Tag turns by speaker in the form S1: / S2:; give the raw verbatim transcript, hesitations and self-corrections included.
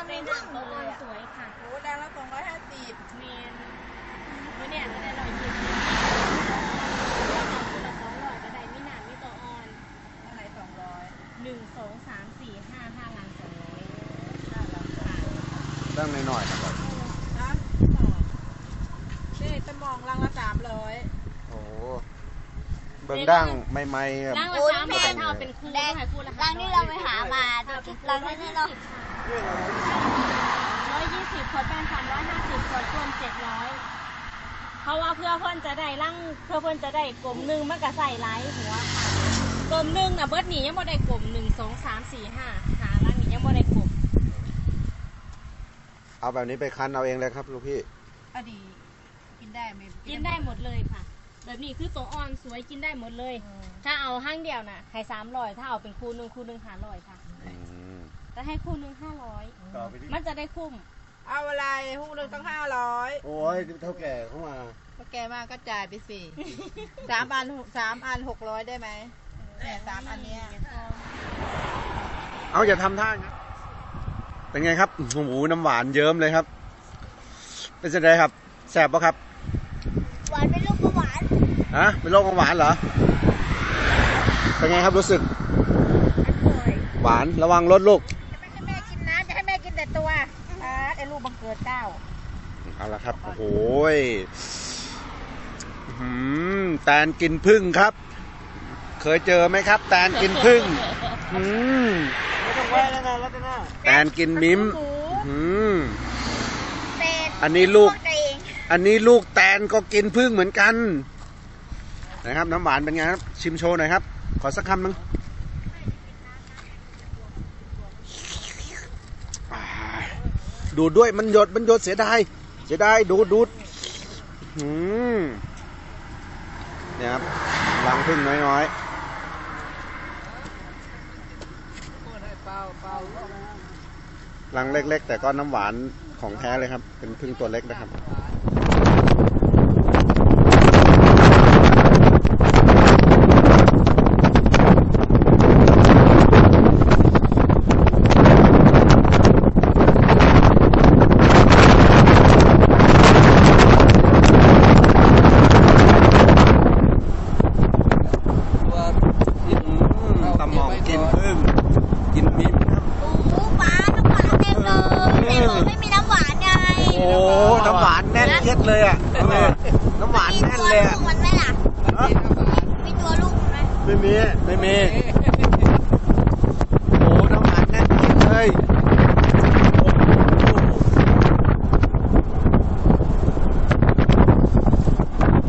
S1: ได้หนังตัวอ่อนสวยค่ะ
S2: โอ้ดังละสองร้อยห้าสิบ
S1: เมนเมื่อเนี่ยก็ได้ร้อยยี่สิบตัวละสองร้อยก็ได้มีหนังมีตัวอ่อน
S2: เท่าไหร่สองร้อย
S1: หนึ่งสองสามสี่ห้าห้าลังสองร้อย
S2: ห้าลังค่ะ
S3: ตั้งหน่อยๆนะครับ
S2: นะนี่สมองลังละสามร้อย
S3: โอ้เบิ้งดั้งไม่ไม่ครับ
S1: ลังละสามร้อยถ้าเอาเป็นคู่ได้คู่ละ
S4: รังที่เราไปหามารังนี้เนาะ
S1: ร้อยยี่สิบขวดเป็นสามร้อยห้าสิบขวดรวมเจ็ดร้อยเพราะว่าเพื่อเพื่อนจะได้ลังเพื่อเพื่อนจะได้กลมหนึ่งมันก็ใส่ไลท์หัวค่ะกลมหนึ่งนะเบิร์ดหนียังไม่ได้กลมหนึ่งสองสามสี่ห้าหาลังนี้ยังไม่ได้กลม
S3: เอาแบบนี้ไปคั้นเอาเองเลยครับลูกพี่
S2: อดีกินได้ไหม
S1: กินได้หมดเลยค่ะแบบนี้คือตัวอ่อนสวยกินได้หมดเลยถ้าเอาห้างเดียวน่ะให้สามร้อยถ้าเอาเป็นคู่หนึ่งคู่หนึ่งห้าร้อยค่ะจะให้คู่หนึ่งห้าร้อยมันจะได้คุ้ม
S2: เอาอะไรหุ้นหนึ่งต้องห้าร้อย
S3: โอ้ยเท่าแก่เข้ามา
S2: เท่าแก่มากก็จ่ายไปสี่สามอันสามอันหกร้อยได้ไหมเนี่ยสามอันเนี้ย
S3: เอาอย่าทำท่าครับเป็นไงครับโอ้โหน้ำหวานเยิ้มเลยครับเป็นยังไงครับแสบปะครับ
S4: หวานเป็นลูกหวาน
S3: ฮะเป็นโรคหวานเหรอเป็นไงครับรู้สึกหวานระวังรถลูก
S2: ไม่ให้แม่กินนะจะให้แม่กินแต่ตัวอ่าไอ้ลูกบังเกิดเก้า
S3: เอาละครับโอ้โหหืมแตนกินพึ่งครับเคยเจอไหมครับแตนกินพึ่งหืมแตนกินมิ้มหืมอันนี้ลูกอันนี้ลูกแตนก็กินพึ่งเหมือนกันนะครับน้ำหวานเป็นไงครับชิมโชว์หน่อยครับขอสักคำนึงดูดด้วยมันหยดมันหยดเสียดายเสียดายดูดดูดหืมเนี่ยครับรังพึ่งน้อยๆรังเล็กๆแต่ก็น้ำหวานของแท้เลยครับเป็นพึ่งตัวเล็กนะครับตำหมองกินพึ่งกินมิ้มครับ
S4: โอ้ปลาน้ำหวานเต็มเลยแต่ไม่มีน้ำหวานไง
S3: โอ้น้ำหวานแน่นเอียดเลยอ่ะน้ำหวานแน่นเลยอ่ะ
S4: มันไหมล่ะมีตัวลูกมันไหม
S3: ไม่มีไม่มี